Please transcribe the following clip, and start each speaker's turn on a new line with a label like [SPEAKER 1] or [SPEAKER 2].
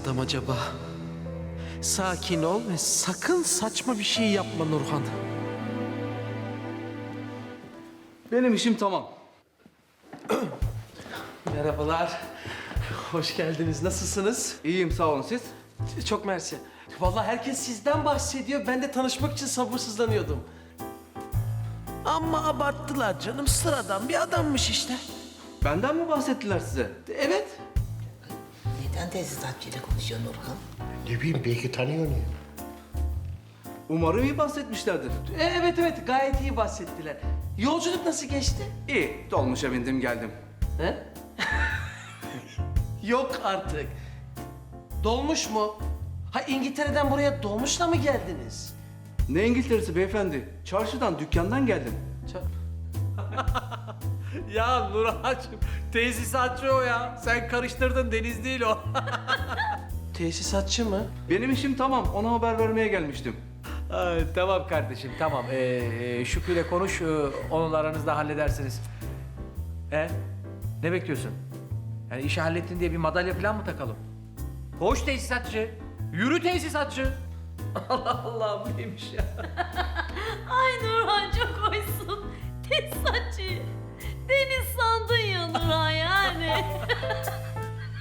[SPEAKER 1] adam acaba? Sakin ol ve sakın saçma bir şey yapma Nurhan.
[SPEAKER 2] Benim işim tamam.
[SPEAKER 1] Merhabalar. Hoş geldiniz. Nasılsınız?
[SPEAKER 2] İyiyim sağ olun siz.
[SPEAKER 1] Çok mersi. Vallahi herkes sizden bahsediyor. Ben de tanışmak için sabırsızlanıyordum. Ama abarttılar canım. Sıradan bir adammış işte.
[SPEAKER 2] Benden mi bahsettiler size?
[SPEAKER 1] Evet.
[SPEAKER 3] Neden tesisatçıyla konuşuyor Nurhan?
[SPEAKER 4] Ne bileyim belki tanıyor ya.
[SPEAKER 2] Umarım iyi bahsetmişlerdir.
[SPEAKER 1] Evet gayet iyi bahsettiler. Yolculuk nasıl geçti?
[SPEAKER 2] İyi, dolmuşa bindim geldim.
[SPEAKER 1] He? Yok artık. Dolmuş mu? Ha İngiltere'den buraya dolmuşla mı geldiniz?
[SPEAKER 2] Ne İngiltere'si beyefendi? Çarşıdan, dükkandan geldim.
[SPEAKER 5] Ya Nurhan'cığım tesisatçı o ya. Sen karıştırdın, Deniz değil o.
[SPEAKER 1] Tesisatçı mı?
[SPEAKER 2] Benim işim tamam, ona haber vermeye gelmiştim.
[SPEAKER 5] Tamam kardeşim tamam. Şükrü'yle konuş, onunla aranızda halledersiniz. Ne bekliyorsun? Yani işi hallettin diye bir madalya falan mı takalım? Koş tesisatçı. Yürü tesisatçı. Allah Allah bu neymiş ya?
[SPEAKER 6] Ay